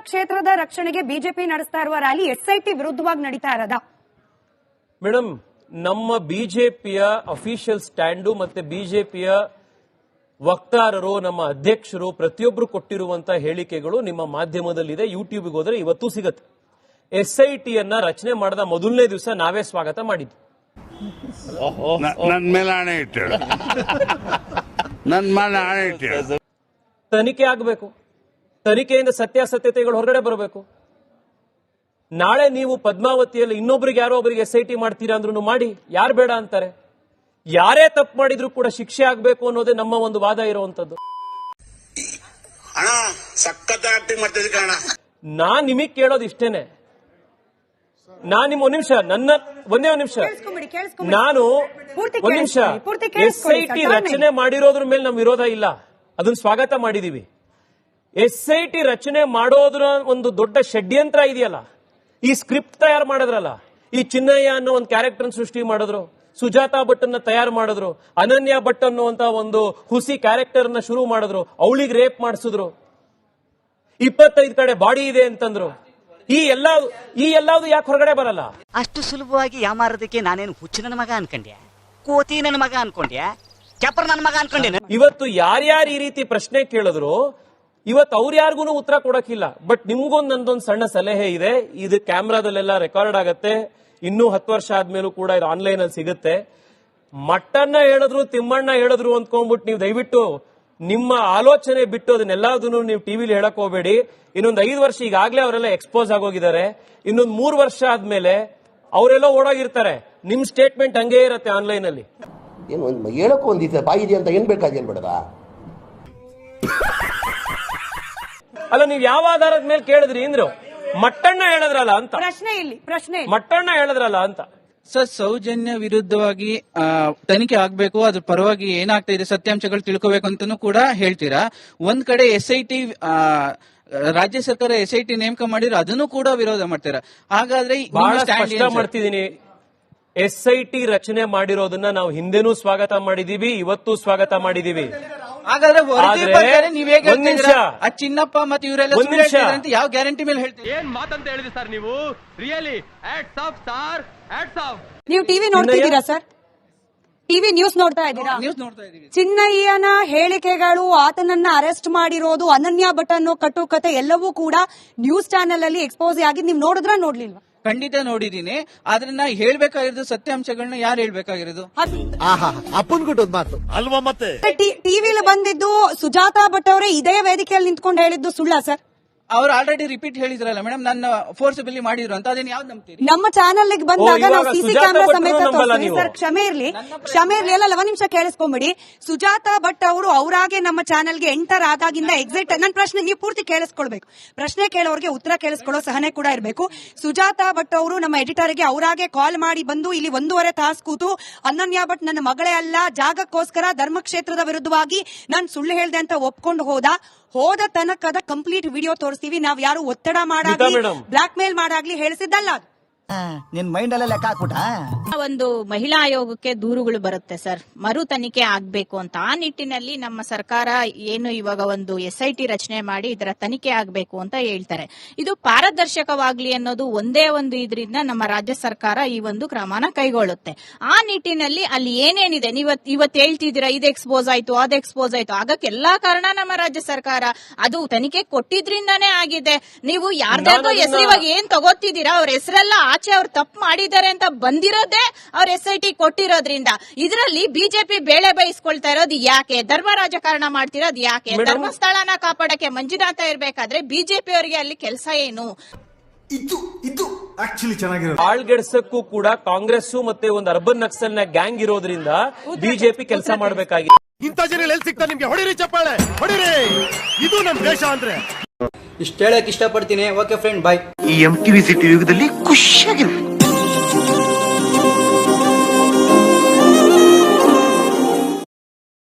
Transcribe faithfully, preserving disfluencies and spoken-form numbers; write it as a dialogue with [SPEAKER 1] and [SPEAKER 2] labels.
[SPEAKER 1] ಕ್ಷೇತ್ರದ ರಕ್ಷಣೆಗೆ ಬಿಜೆಪಿ ನಡೆಸ್ತಾ ಇರುವ ರ್ಯಾಲಿ ಎಸ್ಐಟಿ ವಿರುದ್ಧವಾಗಿ ನಡೀತಾ ಇರೋದಾ?
[SPEAKER 2] ಮೇಡಮ್, ನಮ್ಮ ಬಿಜೆಪಿಯ ಅಫಿಷಿಯಲ್ ಸ್ಟ್ಯಾಂಡು ಮತ್ತೆ ಬಿಜೆಪಿಯ ವಕ್ತಾರರು, ನಮ್ಮ ಅಧ್ಯಕ್ಷರು ಪ್ರತಿಯೊಬ್ಬರು ಕೊಟ್ಟಿರುವಂತಹ ಹೇಳಿಕೆಗಳು ನಿಮ್ಮ ಮಾಧ್ಯಮದಲ್ಲಿದೆ. ಯೂಟ್ಯೂಬ್ಗೆ ಹೋದ್ರೆ ಇವತ್ತು ಸಿಗುತ್ತೆ. ಎಸ್ಐಟಿಯನ್ನ ರಚನೆ ಮಾಡದ ಮೊದಲನೇ ದಿವಸ ನಾವೇ ಸ್ವಾಗತ ಮಾಡಿದ್ವಿ.
[SPEAKER 3] ನನ್ನ ಮೇಲೆ ಆಣೆ ಇಟ್ಟು ನನ್ನ ಮೇಲೆ ಆಣೆ ಇಟ್ಟು
[SPEAKER 2] ತನಿಖೆ ಆಗಬೇಕು. ತನಿಖೆಯಿಂದ ಸತ್ಯಾಸತ್ಯತೆಗಳು ಹೊರಗಡೆ ಬರಬೇಕು. ನಾಳೆ ನೀವು ಪದ್ಮಾವತಿಯಲ್ಲಿ ಇನ್ನೊಬ್ರಿಗೆ ಯಾರೋ ಒಬ್ಬರಿಗೆ ಎಸ್ಐಟಿ ಮಾಡ್ತೀರಾ ಅಂದ್ರೂ ಮಾಡಿ, ಯಾರು ಬೇಡ ಅಂತಾರೆ? ಯಾರೇ ತಪ್ಪು ಮಾಡಿದ್ರು ಕೂಡ ಶಿಕ್ಷೆ ಆಗಬೇಕು ಅನ್ನೋದೇ ನಮ್ಮ ಒಂದು ವಾದ ಇರುವಂತದ್ದು. ನಾನ್ ನಿಮಗ್ ಕೇಳೋದು ಇಷ್ಟೇನೆ. ನಾನ್ ನಿಮ್ ಒಂದ್ ನಿಮಿಷ ನನ್ನ ಒಂದೇ ಒಂದ್ ನಿಮಿಷ ನಾನು ಒಂದ್ ನಿಮಿಷ ಎಸ್ಐಟಿ ರಚನೆ ಮಾಡಿರೋದ್ರ ಮೇಲೆ ನಮ್ ವಿರೋಧ ಇಲ್ಲ, ಅದನ್ನ ಸ್ವಾಗತ ಮಾಡಿದೀವಿ. ಎಸ್ಐಟಿ ರಚನೆ ಮಾಡೋದ್ರ ಒಂದು ದೊಡ್ಡ ಷಡ್ಯಂತ್ರ ಇದೆಯಲ್ಲ, ಈ ಸ್ಕ್ರಿಪ್ಟ್ ತಯಾರು ಮಾಡಿದ್ರಲ್ಲ, ಈ ಚಿನ್ನಯ್ಯ ಅನ್ನೋ ಒಂದು ಕ್ಯಾರೆಕ್ಟರ್ ಸೃಷ್ಟಿ ಮಾಡಿದ್ರು, ಸುಜಾತಾ ಭಟ್ ಅನ್ನ ತಯಾರು ಮಾಡಿದ್ರು, ಅನನ್ಯ ಭಟ್ ಅನ್ನುವಂತ ಒಂದು ಹುಸಿ ಕ್ಯಾರೆಕ್ಟರ್ ನ ಶುರು ಮಾಡಿದ್ರು, ಅವಳಿಗೆ ರೇಪ್ ಮಾಡಿಸಿದ್ರು, ಇಪ್ಪತ್ತೈದು ಕಡೆ ಬಾಡಿ ಇದೆ ಅಂತಂದ್ರು. ಈ ಎಲ್ಲ ಈ ಎಲ್ಲಾವುದು ಯಾಕೆ ಹೊರಗಡೆ ಬರಲ್ಲ?
[SPEAKER 4] ಅಷ್ಟು ಸುಲಭವಾಗಿ ಯಾಮಾರೋದಕ್ಕೆ ನಾನೇನು ಹುಚ್ಚು ನನ್ನ ಮಗ ಅನ್ಕೊಂಡ್ಯಾ, ಕೋತಿ ನನ್ನ ಮಗ ಅನ್ಕೊಂಡ್ಯಾ, ಕೆಪರ್ ನನ್ನ ಮಗ ಅನ್ಕೊಂಡೇನೆ?
[SPEAKER 2] ಇವತ್ತು ಯಾರ್ಯಾರು ಈ ರೀತಿ ಪ್ರಶ್ನೆ ಕೇಳಿದ್ರು ಇವತ್ತು ಅವ್ರು ಯಾರಿಗೂ ಉತ್ತರ ಕೊಡಕ್ಕಿಲ್ಲ. ಬಟ್ ನಿಮ್ಗೊಂದು ನಂದೊಂದು ಸಣ್ಣ ಸಲಹೆ ಇದೆ. ಇದು ಕ್ಯಾಮ್ರಾದಲ್ಲೆಲ್ಲ ರೆಕಾರ್ಡ್ ಆಗತ್ತೆ, ಇನ್ನೂ ಹತ್ತು ವರ್ಷ ಆದ್ಮೇಲೂ ಕೂಡ ಇದು ಆನ್ಲೈನ್ ಅಲ್ಲಿ ಸಿಗುತ್ತೆ. ಮಟ್ಟನ್ನ ಹೇಳಿದ್ರು ತಿಮ್ಮಣ್ಣ ಹೇಳಿದ್ರು ಅಂದ್ಕೊಂಡ್ಬಿಟ್ಟು ನೀವು ದಯವಿಟ್ಟು ನಿಮ್ಮ ಆಲೋಚನೆ ಬಿಟ್ಟು ಅದನ್ನೆಲ್ಲದನ್ನು ನೀವು ಟಿವಿಲಿ ಹೇಳಕ್ ಹೋಗಬೇಡಿ. ಇನ್ನೊಂದು ಐದು ವರ್ಷ ಈಗಾಗಲೇ ಅವರೆಲ್ಲ ಎಕ್ಸ್ಪೋಸ್ ಆಗೋಗಿದ್ದಾರೆ. ಇನ್ನೊಂದು ಮೂರು ವರ್ಷ ಆದ್ಮೇಲೆ ಅವರೆಲ್ಲ ಓಡೋಗಿರ್ತಾರೆ. ನಿಮ್ ಸ್ಟೇಟ್ಮೆಂಟ್ ಹಂಗೇ ಇರತ್ತೆ ಆನ್ಲೈನ್ ಅಲ್ಲಿ.
[SPEAKER 5] ಏನು ಹೇಳಕ್ಕೂ ಒಂದಿದೆ ಬಾಯಿದೆ ಅಂತ ಏನ್ ಬೇಕಾದೇನ್ ಬೇಡದ?
[SPEAKER 2] ಅಲ್ಲ, ನೀವು ಯಾವ ಆಧಾರದ ಮೇಲೆ ಕೇಳಿದ್ರಿ ಅಂದ್ರು? ಮಟ್ಟಣ್ಣ ಹೇಳಿದ್ರಲ್ಲ ಅಂತ
[SPEAKER 1] ಪ್ರಶ್ನೆ ಇಲ್ಲಿ ಪ್ರಶ್ನೆ
[SPEAKER 2] ಮಟ್ಟಣ್ಣ ಹೇಳಿದ್ರಲ್ಲ ಅಂತ.
[SPEAKER 6] ಸರ್, ಸೌಜನ್ಯ ವಿರುದ್ಧವಾಗಿ ತನಿಖೆ ಆಗ್ಬೇಕು, ಅದ್ರ ಪರವಾಗಿ ಏನಾಗ್ತಾ ಇದೆ ಸತ್ಯಾಂಶಗಳು ತಿಳ್ಕೋಬೇಕು ಅಂತಾನೂ ಕೂಡ ಹೇಳ್ತೀರಾ. ಒಂದ್ ಕಡೆ ಎಸ್ ಐ ಟಿ ರಾಜ್ಯ ಸರ್ಕಾರ ಎಸ್ ಐ ಟಿ ನೇಮಕ ಮಾಡಿದ್ರೆ ಅದನ್ನು ಕೂಡ ವಿರೋಧ ಮಾಡ್ತೀರಾ. ಹಾಗಾದ್ರೆ
[SPEAKER 2] ಬಹಳ ಸ್ಪಷ್ಟ ಮಾಡ್ತಿದ್ದೀನಿ, ಎಸ್ ಐ ಟಿ ರಚನೆ ಮಾಡಿರೋದನ್ನ ನಾವು ಹಿಂದೆನೂ ಸ್ವಾಗತ ಮಾಡಿದೀವಿ, ಇವತ್ತು ಸ್ವಾಗತ ಮಾಡಿದೀವಿ.
[SPEAKER 6] ಹಾಗಾದ್ರೆ ನೀವ್ ಹೇಗೆ ಆ ಚಿನ್ನಪ್ಪ ಮತ್ತೆ ಇವರೆಲ್ಲ ಯಾವ ಗ್ಯಾರಂಟಿ ಮೇಲೆ ಹೇಳ್ತೀವಿ?
[SPEAKER 7] ಏನ್ ಮಾತಂತ ಹೇಳಿದ್ರಿ ಸರ್ ನೀವು? Really hats off sir, hats off.
[SPEAKER 1] ನೀವು ಟಿವಿ ನೋಡ್ತಿದ್ದೀರಾ ಸರ್? ಟಿವಿ ನ್ಯೂಸ್ ನೋಡ್ತಾ ಇದ್ದೀರಾ?
[SPEAKER 6] ನ್ಯೂಸ್ ನೋಡ್ತಾ ಇದೀವಿ.
[SPEAKER 1] ಚಿನ್ನಯ್ಯನ ಹೇಳಿಕೆಗಳು, ಆತನನ್ನ ಅರೆಸ್ಟ್ ಮಾಡಿರೋದು, ಅನನ್ಯ ಭಟ್ ಅನ್ನೋ ಕಟ್ಟುಕತೆ ಎಲ್ಲವೂ ಕೂಡ ನ್ಯೂಸ್ ಚಾನೆಲ್ ಅಲ್ಲಿ ಎಕ್ಸ್ಪೋಸ್ ಆಗಿ ನೀವು ನೋಡಿದ್ರ ನೋಡ್ಲಿಲ್ವಾ?
[SPEAKER 6] ಖಂಡಿತ ನೋಡಿದೀನಿ. ಆದ್ರೆ ನಾ ಹೇಳ್ಬೇಕಾಗಿರೋದು ಸತ್ಯಾಂಶಗಳನ್ನ ಯಾರು ಹೇಳ್ಬೇಕಾಗಿರೋದು?
[SPEAKER 5] ಅಪ್ಪನ್ ಕೊಟ್ಟದ್ ಮಾತು ಅಲ್ವಾ? ಮತ್ತೆ
[SPEAKER 1] ಟಿವಿಲಿ ಬಂದಿದ್ದು ಸುಜಾತಾ ಭಟ್ ಅವರೇ ಇದೇ ವೇದಿಕೆಯಲ್ಲಿ ನಿಂತ್ಕೊಂಡು ಹೇಳಿದ್ದು ಸುಳ್ಳ ಸರ್?
[SPEAKER 6] ಅವ್ರು ಆಲ್ರೆಡಿ ರಿಪೀಟ್ ಹೇಳಿದ್ರಲ್ಲ ಮೇಡಮ್, ನನ್ನ ಫೋರ್ಸಬಲಿ ಮಾಡಿದ್ರು ಅಂತ. ಅದೇನು ಯಾವ್ದು ನಂಬ್ತೀರಿ?
[SPEAKER 1] ನಮ್ಮ ಚಾನೆಲ್ ಬಂದಾಗ ನಾವು ಸಿಸಿ ಕ್ಯಾಮೆರಾ ಸಮೇತ ತೋರಿಸ್ತೀವಿ ಸರ್. ಕ್ಷಮೆ ಇರ್ಲಿ, ಕ್ಷಮೆ ಇರ್ಲಿ. ಎಲ್ಲ ಲವ ನಿಮಿಷ ಕೇಳಿಸ್ಕೊಂಬಿಡಿ. ಸುಜಾತಾ ಭಟ್ ಅವರು ಅವರಾಗೆ ನಮ್ಮ ಚಾನೆಲ್ಗೆ ಎಂಟರ್ ಆದಾಗಿಂದ ಎಕ್ಸಿಟ್. ನನ್ನ ಪ್ರಶ್ನೆ ನೀವು ಪೂರ್ತಿ ಕೇಳಿಸ್ಕೊಳ್ಬೇಕು. ಪ್ರಶ್ನೆ ಕೇಳೋರಿಗೆ ಉತ್ತರ ಕೇಳಿಸ್ಕೊಳ್ಳೋ ಸಹನೆ ಕೂಡ ಇರಬೇಕು. ಸುಜಾತಾ ಭಟ್ ಅವರು ನಮ್ಮ ಎಡಿಟರ್ಗೆ ಅವರಾಗೆ ಕಾಲ್ ಮಾಡಿ ಬಂದು ಇಲ್ಲಿ ಒಂದೂವರೆ ತಾಸು ಕೂತು ಅನನ್ಯ ಭಟ್ ನನ್ನ ಮಗಳೇ ಅಲ್ಲ, ಜಾಗಕ್ಕೋಸ್ಕರ ಧರ್ಮಕ್ಷೇತ್ರದ ವಿರುದ್ಧವಾಗಿ ನಾನು ಸುಳ್ಳು ಹೇಳ್ದೆ ಅಂತ ಒಪ್ಕೊಂಡು ಹೋದ. ಹೋದ ತನಕದ ಕಂಪ್ಲೀಟ್ ವಿಡಿಯೋ ತೋರಿಸ್ತೀವಿ. ನಾವ್ ಯಾರು ಒತ್ತಡ ಮಾಡಾಗ್ಲಿ ಬ್ಲಾಕ್ ಮೇಲ್ ಮಾಡಾಗ್ಲಿ ಹೇಳಿಸಿದ್ದಲ್ಲ.
[SPEAKER 4] ನಿನ್ ಮೈಂಡ್ ಅಲ್ಲೇ ಲೆಕ್ಕ ಹಾಕ್ಬಿಟ್ಟ.
[SPEAKER 8] ಒಂದು ಮಹಿಳಾ ಆಯೋಗಕ್ಕೆ ದೂರುಗಳು ಬರುತ್ತೆ ಸರ್, ಮರು ತನಿಖೆ ಆಗ್ಬೇಕು ಅಂತ. ಆ ನಿಟ್ಟಿನಲ್ಲಿ ನಮ್ಮ ಸರ್ಕಾರ ಏನು ಇವಾಗ ಒಂದು ಎಸ್ ಐ ಟಿ ರಚನೆ ಮಾಡಿ ಇದರ ತನಿಖೆ ಆಗ್ಬೇಕು ಅಂತ ಹೇಳ್ತಾರೆ. ಇದು ಪಾರದರ್ಶಕವಾಗ್ಲಿ ಅನ್ನೋದು ಒಂದೇ ಒಂದು ಇದರಿಂದ ನಮ್ಮ ರಾಜ್ಯ ಸರ್ಕಾರ ಈ ಒಂದು ಕ್ರಮನ ಕೈಗೊಳ್ಳುತ್ತೆ. ಆ ನಿಟ್ಟಿನಲ್ಲಿ ಅಲ್ಲಿ ಏನೇನಿದೆ ನೀವತ್ ಇವತ್ತು ಹೇಳ್ತಿದ್ದೀರಾ, ಇದು ಎಕ್ಸ್ಪೋಸ್ ಆಯ್ತು, ಅದು ಎಕ್ಸ್ಪೋಸ್ ಆಯ್ತು, ಆಗಕ್ಕೆ ಎಲ್ಲಾ ಕಾರಣ ನಮ್ಮ ರಾಜ್ಯ ಸರ್ಕಾರ. ಅದು ತನಿಖೆ ಕೊಟ್ಟಿದ್ರಿಂದಾನೇ ಆಗಿದೆ. ನೀವು ಯಾರ್ದಾದ್ರೂ ಹೆಸರು ಇವಾಗ ಏನ್ ತಗೋತಿದ್ದೀರಾ, ಅವ್ರ ಹೆಸರೆಲ್ಲ ಆಚೆ ಅವ್ರು ತಪ್ಪು ಮಾಡಿದ್ದಾರೆ ಅಂತ ಬಂದಿರೋದೇ ಅವ್ರ ಎಸ್ ಐ ಟಿ ಕೊಟ್ಟಿರೋದ್ರಿಂದ. ಇದರಲ್ಲಿ ಬಿಜೆಪಿ ಬೇಳೆ ಬಯಸ್ಕೊಳ್ತಾ ಇರೋದು ಯಾಕೆ? ಧರ್ಮ ರಾಜಕಾರಣ ಮಾಡ್ತಿರೋದು ಯಾಕೆ? ಧರ್ಮಸ್ಥಳನ ಕಾಪಾಡಕ್ಕೆ ಮಂಜುನಾಥ ಇರ್ಬೇಕಾದ್ರೆ ಬಿಜೆಪಿ ಅವರಿಗೆ ಅಲ್ಲಿ ಕೆಲಸ ಏನು?
[SPEAKER 9] ಇದು ಇದು ಆಕ್ಚುಲಿ ಚೆನ್ನಾಗಿರೋದು.
[SPEAKER 2] ಆಳ್ಗೆಡ್ಸಕ್ಕೂ ಕೂಡ ಕಾಂಗ್ರೆಸ್ ಮತ್ತೆ ಒಂದು ಅರ್ಬನ್ ನಕ್ಸಲ್ ನ ಗ್ಯಾಂಗ್ ಇರೋದ್ರಿಂದ ಬಿಜೆಪಿ ಕೆಲಸ ಮಾಡಬೇಕಾಗಿದೆ.
[SPEAKER 9] ಇಂಥ ಜನ ಎಲ್ಲಿ ಸಿಗ್ತಾ ನಿಮ್ಗೆ? ಹೊಡಿರಿ ಚಪ್ಪಾಳೆ, ಹೊಡಿರಿ. ಇದು ನಮ್ ದೇಶ ಅಂದ್ರೆ
[SPEAKER 4] ಇಷ್ಟ ಹೇಳಕ್ ಇಷ್ಟಪಡ್ತೀನಿ. Okay friend, bye.
[SPEAKER 5] ಈ ಎಂ ಟಿವಿ ಸಿಟಿ ಯುಗದಲ್ಲಿ ಖುಷಿಯಾಗಿರು.